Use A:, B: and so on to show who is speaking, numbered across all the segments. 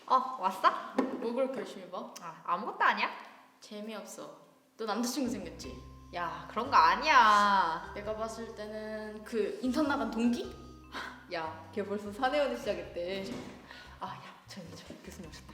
A: 왔어?
B: 뭐 그렇게 열심히 봐?
A: 아무것도 아니야?
B: 재미없어. 너 남자친구 생겼지?
A: 야, 그런 거 아니야.
B: 내가 봤을 때는 그 인턴 나간 동기?
A: 야, 걔 벌써 사내연애 시작했대. 야, 저기 교수님 오셨다.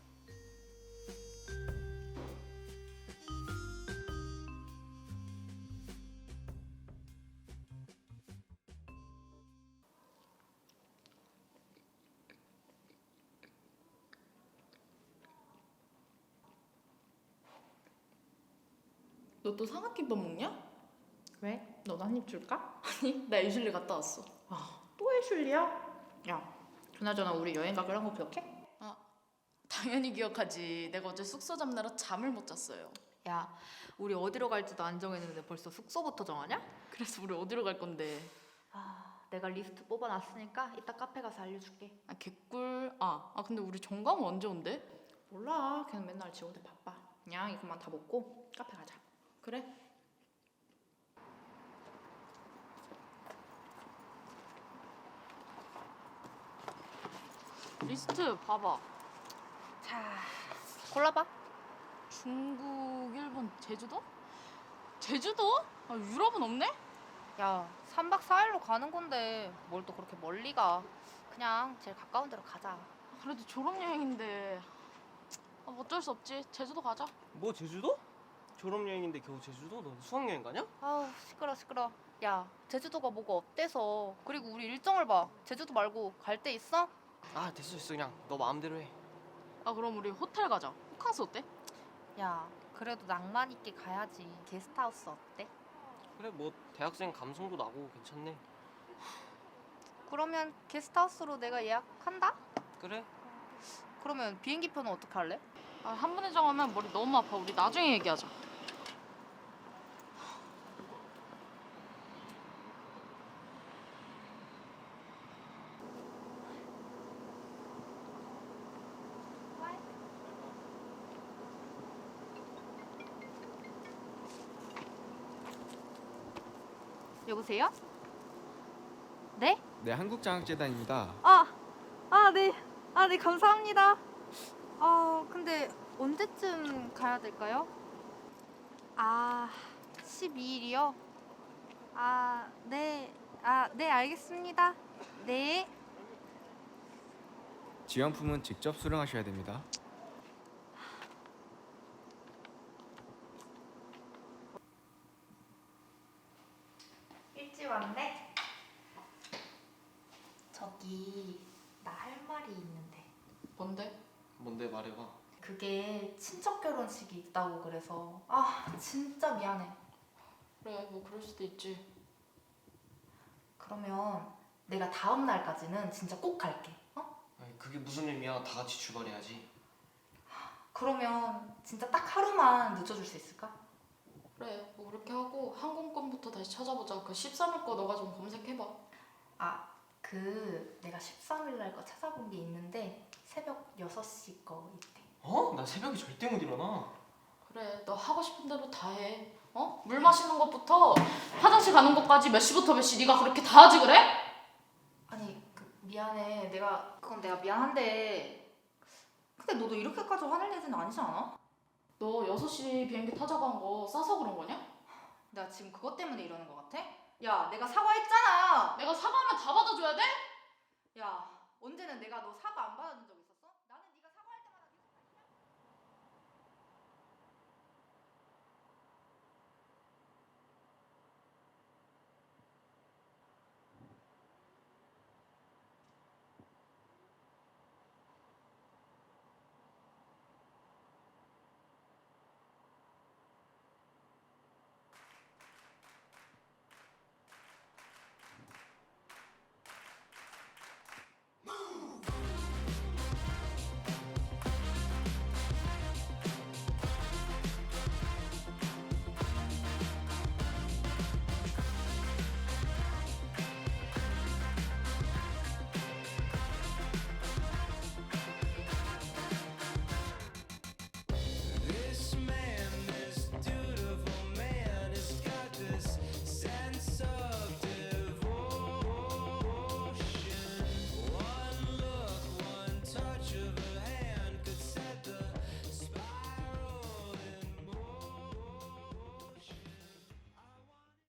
B: 너 또 삼각김밥 먹냐?
A: 왜? 너도 한 입 줄까?
B: 아니, 나 애슐리 갔다 왔어.
A: 또 해줄리야? 야, 그나저나 우리 여행 가기로 한 거 기억해?
B: 당연히 기억하지. 내가 어제 숙소 잡느라 잠을 못 잤어요.
A: 야, 우리 어디로 갈지도 안 정했는데 벌써 숙소부터 정하냐?
B: 그래서 우리 어디로 갈 건데?
A: 내가 리스트 뽑아놨으니까 이따 카페 가서 알려줄게.
B: 개꿀. 근데 우리 정강 언제 온대?
A: 몰라, 걔는 맨날 지 혼자 바빠. 그냥 이것만 다 먹고 카페 가자.
B: 그래? 리스트 봐봐.
A: 자, 골라봐.
B: 중국, 일본, 제주도? 제주도? 유럽은 없네?
A: 야, 3박 4일로 가는 건데 뭘 또 그렇게 멀리 가. 그냥 제일 가까운 데로 가자.
B: 그래도 졸업여행인데 뭐 어쩔 수 없지. 제주도 가자.
C: 뭐 제주도? 졸업여행인데 겨우 제주도? 너 수학여행 가냐?
A: 아우, 시끄러. 야, 제주도가 뭐가 어때서. 그리고 우리 일정을 봐. 제주도 말고 갈 데 있어?
C: 됐어 그냥 너 마음대로 해.
B: 그럼 우리 호텔 가자. 호캉스 어때?
A: 야, 그래도 낭만 있게 가야지. 게스트하우스 어때?
C: 그래 뭐 대학생 감성도 나고 괜찮네.
A: 그러면 게스트하우스로 내가 예약한다?
C: 그래?
A: 그러면 비행기표는 어떻게 할래?
B: 한 번에 정하면 머리 너무 아파. 우리 나중에 얘기하자.
A: 여보세요? 네?
D: 네, 한국장학재단입니다.
A: 네, 감사합니다. 근데 언제쯤 가야 될까요? 12일이요? 네. 네, 알겠습니다. 네.
D: 지원품은 직접 수령하셔야 됩니다.
A: 일찍 왔네? 저기 나 할 말이 있는데
C: 뭔데 말해봐.
A: 그게 친척 결혼식이 있다고 그래서 진짜 미안해.
B: 그래, 뭐 그럴 수도 있지.
A: 그러면 내가 다음 날까지는 진짜 꼭 갈게.
C: 아니 그게 무슨 의미야. 다 같이 출발해야지.
A: 그러면 진짜 딱 하루만 늦춰줄 수 있을까?
B: 그래, 뭐 그렇게 하고 항공권부터 다시 찾아보자. 그 13일 거 너가 좀 검색해봐.
A: 내가 13일 날 거 찾아본 게 있는데 새벽 6시 거 있대.
C: 나 새벽에 절대 못 일어나.
B: 그래, 너 하고 싶은 대로 다 해. 물 마시는 것부터 화장실 가는 것까지 몇 시부터 몇 시 네가 그렇게 다 하지 그래?
A: 아니, 미안해. 그건 내가 미안한데 근데 너도 이렇게까지 화낼 일은 아니지 않아?
B: 너 6시 비행기 타자고 한 거 싸서 그런 거냐?
A: 내가 지금 그것 때문에 이러는 거 같아? 야, 내가 사과했잖아.
B: 내가 사과하면 다 받아줘야 돼?
A: 야, 언제는 내가 너 사과 안 받아준 적